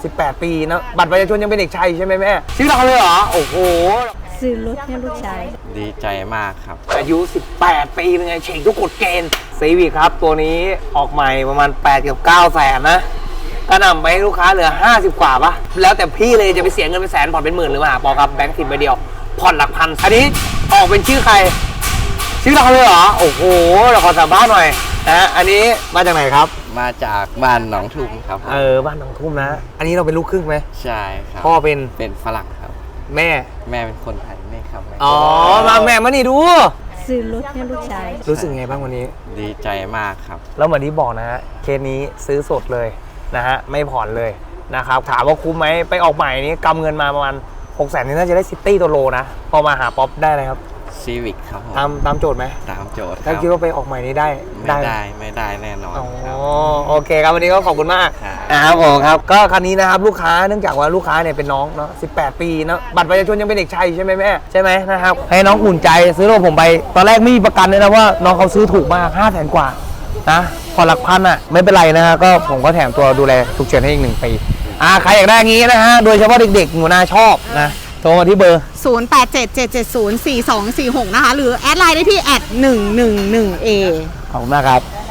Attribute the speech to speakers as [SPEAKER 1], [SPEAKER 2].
[SPEAKER 1] 18 ปีนะบัตรประชาชนยังเป็นเด็กชายใช่ไหมแม่ซื้อเราเลยเหรอโอ้โห
[SPEAKER 2] ซื้อรถให้ลูกชาย
[SPEAKER 3] ดีใจมากครับ
[SPEAKER 1] อายุ18 ปีเป็นไงเฉ่งทุกกฎเกณฑ์ซีวิคครับตัวนี้ออกใหม่ประมาณ8กับ9 แสนนะก็นำไปให้ลูกค้าเหลือ50กว่าปะแล้วแต่พี่เลยจะไปเสียเงินเป็นแสนผ่อนเป็นหมื่นหรือมาปอครับแบงค์10ใบเดียวผ่อนหลักพันอันนี้ออกเป็นชื่อใครชื่อเราเลยเหรอโอ้โหเราขอสัมภาษณ์หน่อยนะอันนี้มาจากไหนครับ
[SPEAKER 3] มาจากบ้านหนองทุ่มครับ
[SPEAKER 1] บ้านหนองทุ่มนะอันนี้เราเป็นลูกครึ่งไหม
[SPEAKER 3] ใช่ครับ
[SPEAKER 1] พ่อเป็น
[SPEAKER 3] ฝรั่งครับ
[SPEAKER 1] แม่
[SPEAKER 3] เป็นคนไทยนี่ครับ
[SPEAKER 1] อ๋อมาแม่มานี่ดู
[SPEAKER 2] ซื้อรถให้ลูกชาย
[SPEAKER 1] รู้สึกไงบ้างวันนี้
[SPEAKER 3] ดีใจมากครับ
[SPEAKER 1] แล้วเหมือนที่บอกนะฮะเคสนี้ซื้อสดเลยนะฮะไม่ผ่อนเลยนะครับถามว่าคุ้มไหมไปออกใหม่นี้กำเงินมาประมาณ600,000นี่น่าจะได้ซิตี้ตัวโลนะพอมาหาป๊อปได้เลยครับ
[SPEAKER 3] ซีวิคครับ
[SPEAKER 1] ตามโจทย์ไหม
[SPEAKER 3] ตามโจทย์
[SPEAKER 1] ถ้าคิดว่าไปออกใหม่นี้ได้
[SPEAKER 3] ไม่ได้แน่นอน
[SPEAKER 1] โอเคครับวันนี้ก็ขอบคุณมากนะครับผมครับก็คันนี้นะครับลูกค้าเนื่องจากว่าลูกค้าเนี่ยเป็นน้องเนาะ18 ปีนะบัตรประชาชนยังเป็นเด็กชายใช่ไหมแม่ใช่ไหมนะครับให้น้องอุ่นใจซื้อรถผมไปตอนแรกไม่มีประกันเลยนะว่าน้องเขาซื้อถูกมาก500,000 กว่านะพอหลักพันอ่ะไม่เป็นไรนะฮะก็ผมก็แถมตัวดูแลฉุกเฉินให้อีก1 ปีใครอยากได้งี้นะฮะโดยเฉพาะเด็กๆหนูนาชอบนะโทรมาที่เบอร์
[SPEAKER 4] 0877704246นะคะหรือแอดไลน์ได้ที่@111A
[SPEAKER 1] ขอบคุณมากครับ